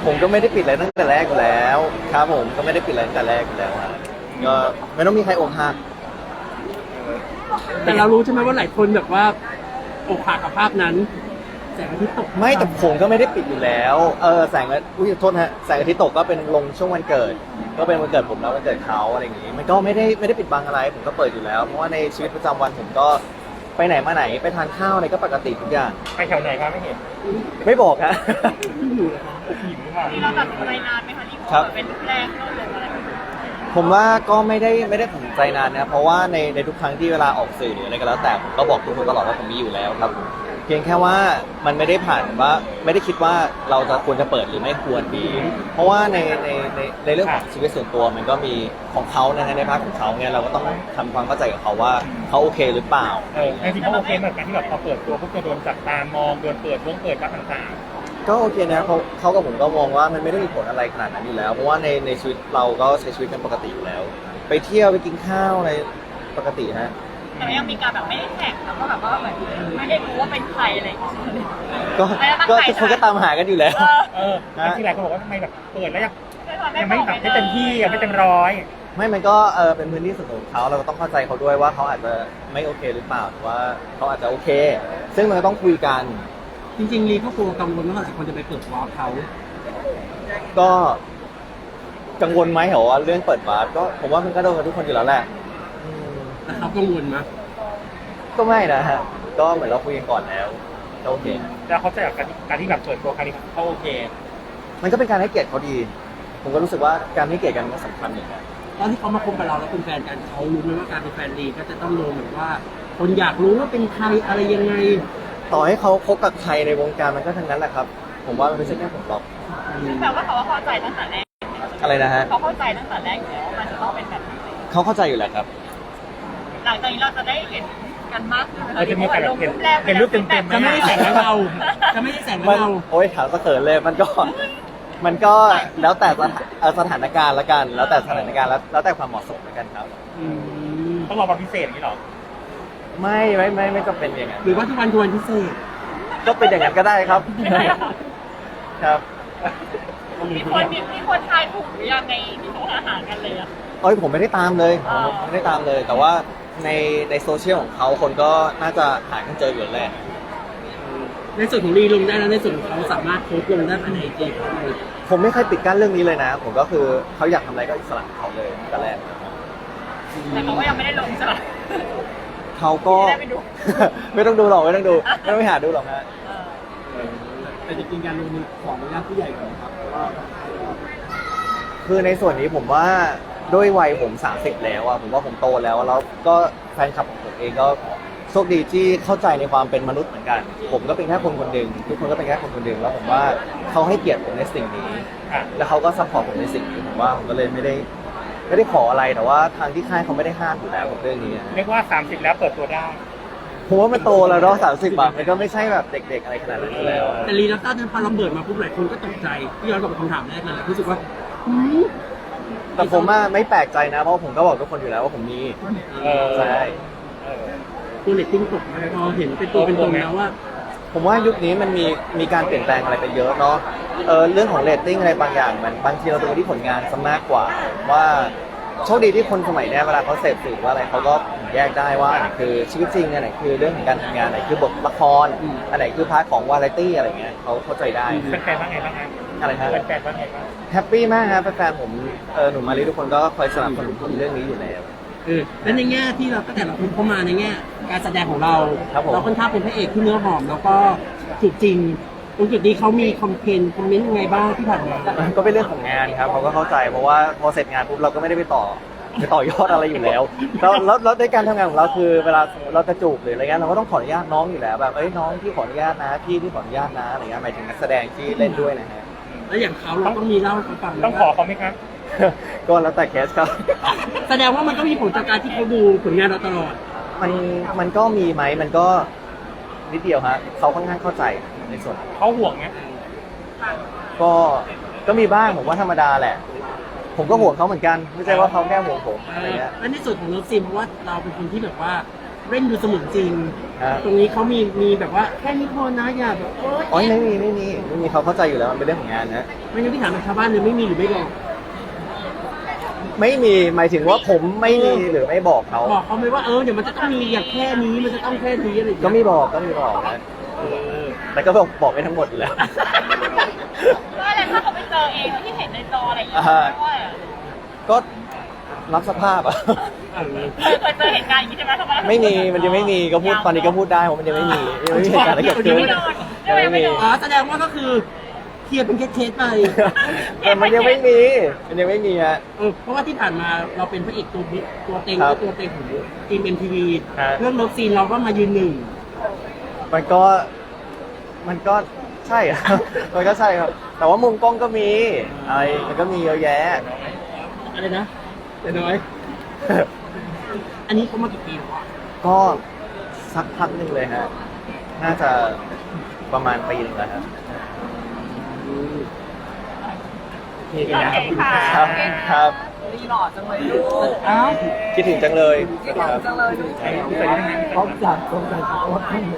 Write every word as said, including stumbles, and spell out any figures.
ผมก็ไม่ได้ปิดอะไรตั้งแต่แรกอยู่แล้วครับผมก็ไม่ได้ปิดอะไรตั้งแต่แรกอยู่แล้วครับก็ไม่ต้องมีใครอกหักแต่เรารู้ใช่ไหมว่าหลายคนแบบว่าอกหักกับภาพนั้นแสงอาทิตย์ตกไม่แต่ผมก็ไม่ได้ปิดอยู่แล้วเออแสงอาอุ้ยโทษนะฮะแสงอาทิตย์ตกก็เป็นลงช่วงวันเกิด ก็เป็นวันเกิดผมแล้ววันเกิดเขาอะไรอย่างงี้มันก็ไม่ได้ไม่ได้ปิดบังอะไรผมก็เปิดอยู่แล้วเพราะว่าในชีวิตประจำวันผมก็ไปไหนมาไหนไปทานข้าวอะไรก็ปกติทุกอย่างไปแถวไหนครับไม่เห็นไม่บอกฮะที่อยู่นะคะหิวค่ะนี่เราตัดสินใจนานไหมคะที่ครับเป็นแรกเราเลยอะไรแบบนี้ผมว่าก็ไม่ได้ไม่ได้ตัดสินใจนานนะเพราะว่าในในทุกครั้งที่เวลาออกสื่อหรืออะไรก็แล้วแต่ผมก็บอกทุกคนตลอดว่าผมมีอยู่แล้วครับเพียงแค่ว่ามันไม่ได้ผ่านว่าไม่ได้คิดว่าเราจะควรจะเปิดหรือไม่ควรดี เพราะว่าในในในในเรื่องของชีวิตส่วนตัวมันก็มีของเขานะฮะในภาคของเขาเนี่ยเราก็ต้องทำความเข้าใจกับเขาว่าเขาโอเคหรือเปล่าเออจริงๆเขาโอเคเหมือนกันที่แบบพอเปิดตัวพวกจะโดนจับตามองโดนเปิดวงเปิดบ้างต่างก็โอเคนะเขาเขากับผมก็มองว่ามันไม่ได้มีผลอะไรขนาดนั้นอยู่แล้ว เพราะว่าในในชีวิตเราก็ใช้ชีวิตกันปกติอยู่แล้ว ไปเที่ยวไปกินข้าวอะไรปกติฮะแต่ยังมีการแบบไม่ได้แท็กแล้วก็แบบว่าเหมือนไม่ได้รู้ว่าเป็นใครอะไรอย่างเงี้ยก็ไม่ได้ตั้งก็ใจทุกคนก็ตามหากันอยู่แล้วเออๆเออแล้วที่หลายคนบอกว่าทำไมแบบเปิดแล้วยังไม่ยังไม่ไม่แบบไม่เต็มที่ยังไม่เต็มร้อยไม่มันก็เออเป็นพื้นที่ส่วนตัวของเขาเราก็ต้องเข้าใจเขาด้วยว่าเขาอาจจะไม่โอเคหรือเปล่าหรือว่าเขาอาจจะโอเค ซึ่งมันก็ต้องคุยกันจริงๆลีก็กลัวกังวลว่าหลายคนจะไปเปิดวอลเขาก็กังวลไหมเหรอว่าเรื่องเปิดวาร์ปก็ผมว่ามันก็โดนกันทุกคนอยู่แล้วแหละอืมแต่เขากังวลมั้ยก็ไม่นะฮะก็เหมือนเราคุยกันก่อนแล้วก็โอเคแล้วเขาจะอยากการการที่แบบเปิดตัวครั้งนี้เขาโอเคมันก็เป็นการให้เกียรติเขาดี ผมก็รู้สึกว่าการให้เกียรติกันก็สำคัญเหมือนกันตอนที่เขามาคบกับเราแล้วเป็นแฟนกันเขารู้ไหมว่าการเป็นแฟนลีก็จะต้องโดนแบบว่า คนอยากรู้ว่าเป็นใครอะไรยังไงต่อให้เขาคบกับใครในวงการมันก็ทั้งนั้นแหละครับ ผมว่ามันไม่ใช่แค่ผมหรอกแปลว่าเขาเข้าใจตั้งแต่แรกอะไรนะฮะเขาเข้าใจตั้งแต่แรกอยู่แล้วว่ามันจะต้องเป็นแบบนี้เขาเข้าใจอยู่แล้วครับหลังจากนี้เราจะได้เห็นกันมากขึ้นไหมเออจะมีโอกาสเห็นเห็นรูปเต็มๆไหจะไม่ได้แสงกับเรา จะไม่ได้แสงกับมันเราโอ้ยถามสะเขินเลยมันก็ มันก็แล้วแต่สถานเอ่อสถานการณ์ละกัน แล้วแต่สถานการณ์แล้วแล้วแต่ความเหมาะสมละกันครับอืมต้องรอวันพิเศษอย่างนี้หรอไม่ไม่ไม่ไม่จำเป็นอย่างนั้นหรือว่าทุกวันทุกวันพิเศษก็เป็นอย่างนั้นก็ได้ครับ ครับมีคนมีมีคนทายถูกหรือยังในที่เขาหากันเลยอะเอ้ยผมไม่ได้ตามเลยผอ๋มอไม่ได้ตามเลย แต่ว่าในในโซเชียลของเขาคนก็น่าจะหากันเจออยู่แล้วแหละในส่วนของลีลงได้แล้วในส่วนของเขาสามารถโพสต์ลงได้ภายในไอจีเขาเลยผมไม่เคยปิดกั้นเรื่องนี้เลยนะ ผมก็คือเขาอยากทำอะไรก็อิสระของเขาเลยตั้งแต่แรกแต่เขาก็ยังไม่ได้ลงใช่ไหมเขาก็ไม่ได้ไปดูไม่ต้องดูหรอกไม่ต้องดูไม่ต้องไปหาดูหรอกฮะเออแต่จริงๆการลงมีขออนุญาตผู้ใหญ่ก่อนครับเพราะว่าคือในส่วนนี้ผมว่าด้วยวัยผมสามสิบแล้วอะผมว่าผมโตแล้วแล้วก็แฟนคลับของผมเองก็โชคดีที่เข้าใจในความเป็นมนุษย์เหมือนกัน ผมก็เป็นแค่คนคนหนึ่งทุกคนก็เป็นแค่คนคนหนึ่งแล้วผมว่าเขาให้เกียรติผมในสิ่งนี้อ่ะแล้วเขาก็ซัพพอร์ตผมในสิ่งนี้ผมว่าผมก็เลยไม่ได้ไม่ได้ขออะไรแต่ว่าทางที่ค่ายเขาไม่ได้ห้ามอยู่แล้วกับเรื่องนี้อะเรียกว่าสามสิบแล้วเปิดตัวได้ผมว่ามันโตแล้วเนาะสามสิบอะมันก็ไม่ใช่แบบเด็ก ๆ อะไรขนาดนั้นอยู่แล้วแต่ลีนับต้าเนี่ยพอเราเปิดมาปุ๊บหลายคนก็ตกใจที่ย้อนกลับไปคำถามแรกเลยรู้สึกว่าหืมแต่ผมว่าไม่แปลกใจนะเพราะผมก็บอกทุกคนอยู่แล้วว่าผมมีเออใช่เออตัวเลตติ้งตกมาพอเห็นเป็นตัวเป็นตนแล้วว่าผมว่ายุคนี้มันมีมีการเปลี่ยนแปลงอะไรไปเยอะเนาะเออเรื่องของเรตติ้งอะไรบางอย่างมันบางทีเราดูที่ผลงานซะมากกว่า ว่าโชคดีที่คนสมัยเนี้ยเวลาเขาเสพสื่อว่าอะไรเขาก็แยกได้ว่าอันไหนคือชีวิตจริงอันไหนคือเรื่องของการทำงานอันไหนคือบทละครอืมอันไหนคือพาร์ทของวาไรตี้อะไรเงี้ยเขาเข้าใจได้แฟนๆว่าไงบ้างฮะอะไรฮะแฟนๆว่าไงบ้างแฮปปี้มากครับแฟนๆผมเออหนุ่มมารีทุกคนก็คอยสนับสนุนผมเรื่องนี้อยู่แล้วเออและในแง่ที่เราตั้งแต่เราเข้ามาในแง่การแสดงของเราครับผมเราค่อนข้างเป็นพระเอกที่เนื้อหอม แล้วก็จุดจริงตรงจุดนี้เขามีคอมเพนคอมเมนต์ยังไงบ้างที่ผ่านมาก็เป็นเรื่องของงานครับเขาก็เข้าใจเพราะว่าพอเสร็จงานปุ๊บเราก็ไม่ได้ไปต่อไปต่อยอดอะไรอยู่แล้วแล้วแล้วแล้วในการทำงานของเราคือเวลาเราจะจูบหรืออะไรเงี้ยเราก็ต้องขออนุญาตน้องอยู่แล้วแบบเอ้ยน้องที่ขออนุญาตนะพี่ที่ขออนุญาตนะอะไรเงี้ยหมายถึงนักแสดงที่เล่นด้วยนะฮะแล้วอย่างเขาเราต้องมีเล่าให้เขาฟังไหมต้องขอเขาไหมครับก็แล้วแต่เคสครับแสดงว่ามันก็มีผลจากการที่เขาดูผลงานเราตลอดมันมันก็มีไหมมันก็นิดเดียวฮะเขาค่อนข้างเข้าใจในส่วนนั้นเขาห่วงไหมก็ก็มีบ้างผมว่าธรรมดาแหละ ผมก็ห่วงเขาเหมือนกันไม่ใช่ว่าเขาแค่ห่วงผมอะไรเงี้ยแล้วในส่วนของเลิฟซีนเพราะว่าเราเป็นคนที่แบบว่าเล่นดูเสมือนจริงฮะตรงนี้เขามีมีแบบว่าแค่นี้พอนะอย่าแบบโอ๊ยอ๋อไม่มีไม่มีไม่มีเขาเข้าใจอยู่แล้วมันเป็นเรื่องของงานนะไม่งั้นพี่ถามแบบชาวบ้านเลยไม่มีหรือไม่บอกไม่มีหมายถึงว่าผมไม่มีหรือไม่บอกเขาบอกเขาไหมว่าเออเดี๋ยวมันจะต้องมีอย่างแค่นี้มันจะต้องแค่นี้อะไรอย่างก็เงี้ยมีบอกก็มีบอกนะเออแต่ก็บอกบอกไม่ทั้งหมดอยู่แล้วว่าอะไรถ้าเขาไปเจอเองที่เห็นในจออะไรอย่างเงี้ยอ่าว่าก็รับสภาพอ่ะเออเคยเคยเจอเหตุการณ์อย่างนี้ใช่ไหมทำไมไม่มีมันยังไม่มีก็พูดตอนนี้ก็พูดได้เพราะมันยังไม่มียังไม่มีเหตุการณ์อะไรเกิดขึ้นไม่โดนยังไม่โดนอ๋อแสดงว่าก็คือเคลียร์เป็นเคสๆไปแต่มันยังไม่มีมันยังไม่มีฮะเออเพราะว่าที่ผ่านมาเราเป็นพระเอกตัวบิ๊กตัวเต็งครับและตัวเต็งของทีมเอ็มทีวีฮะเรื่องเลิฟซีนเราก็มายืนหนึ่งมันก็มันก็ใช่ครับ มันก็ใช่ครับ แต่ว่ามุมกล้องก็มีอะไรมันก็มีเยอะแยะอะไรนะแต่น้อย อันนี้เขามากี่ปีแล้วอะก็สักพักหนึ่งเลยฮะ น่าจะประมาณปีหนึงแล้วครับโอเคกันนะโอเคค่ะครับครับรีหล่อจังเลยลูกอ้าวคิดถึงจังเลยรีหล่อจังเลยลูกพร้อมจัดพร้อมจัด